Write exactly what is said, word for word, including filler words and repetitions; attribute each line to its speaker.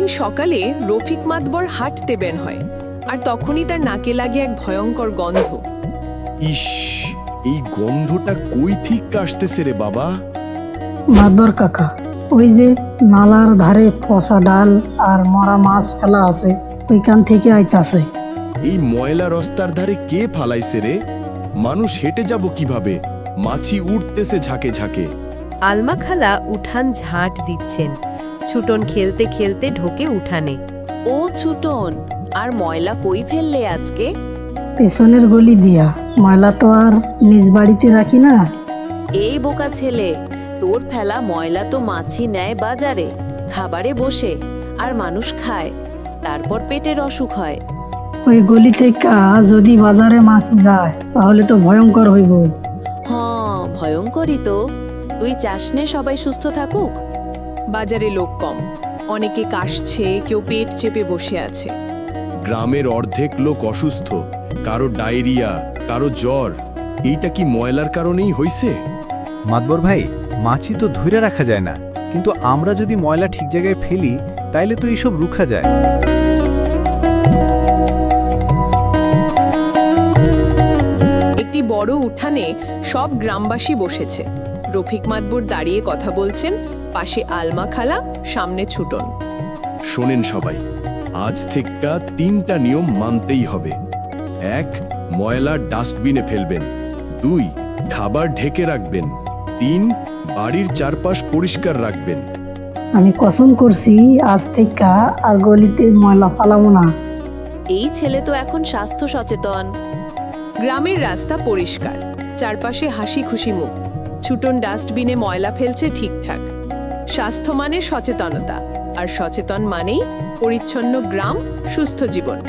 Speaker 1: সকালে রফিক মাতবর হাঁটতে বের হয়, আর তখনই তার নাকে লাগে এক ভয়ঙ্কর গন্ধ।
Speaker 2: ইস, এই গন্ধটা কই ঠিক আসতেছে রে বাবা?
Speaker 3: মাতবর কাকা, ওই যে নালার ধারে পচা ডাল আর মরা মাছ ফেলা আছে, ওইখান থেকে আইতাছে।
Speaker 2: এই ময়লা রাস্তার ধারে কে ফালাইছে রে? মানুষ হেঁটে যাব কিভাবে? মাছি উঠতেছে ঝাঁকে ঝাঁকে।
Speaker 4: আলমা খালা উঠান ঝাঁট দিচ্ছেন। ছুটন খেলতে খেলতে ঢোকে উঠানে।
Speaker 5: ও ছুটন, আর ময়লা কই ফেললে আজকে?
Speaker 3: পেছনের গলি দিয়া। ময়লা তো আর নিজ বাড়িতে রাখি না।
Speaker 5: এই বোকা ছেলে, তোর ফেলা ময়লা তো মাছি নেয় বাজারে, খাবারে বসে, আর মানুষ খায়, তারপর পেটের অসুখ হয়।
Speaker 3: ওই গলি থেকে যদি বাজারে মাছ যায় তাহলে তো ভয়ঙ্কর হইব।
Speaker 5: হ্যাঁ, ভয়ঙ্করই তো। তুই চাস নে সবাই সুস্থ থাকুক?
Speaker 1: বাজারে লোক কম, অনেকে কাশছে, কেউ পেট চেপে বসে আছে।
Speaker 2: গ্রামের অর্ধেক লোক অসুস্থ, কারো ডায়রিয়া, কারো জ্বর। এইটা কি ময়লার কারণেই হইছে?
Speaker 6: মাতবর ভাই, মাছি তো ধরে রাখা যায় না, কিন্তু আমরা যদি ময়লা ঠিক জায়গায় ফেলি তাইলে তো এইসব রুখা যায়।
Speaker 1: একটি বড় উঠানে সব গ্রামবাসী বসেছে। রফিক মাতবর দাঁড়িয়ে কথা বলছেন, পাশে আলমা খালা, সামনে ছুটন।
Speaker 2: শোনেন সবাই, আজ থেকে তিনটা নিয়ম মানতেই হবে। এক, ময়লা ডাস্টবিনে ফেলবেন। দুই, খাবার ঢেকে রাখবেন। তিন, বাড়ির চারপাশ পরিষ্কার রাখবেন।
Speaker 3: আমি কসম করছি আজ থেকে আর গলিতে ময়লা ফালাবো না।
Speaker 5: এই ছেলে তো এখন স্বাস্থ্য সচেতন।
Speaker 1: গ্রামের রাস্তা পরিষ্কার, চারপাশে হাসি খুশি মুখ। ছুটন ডাস্টবিনে ময়লা ফেলছে ঠিকঠাক। স্বাস্থ্য মানে সচেতনতা, আর সচেতন মানেই পরিচ্ছন্ন গ্রাম, সুস্থ জীবন।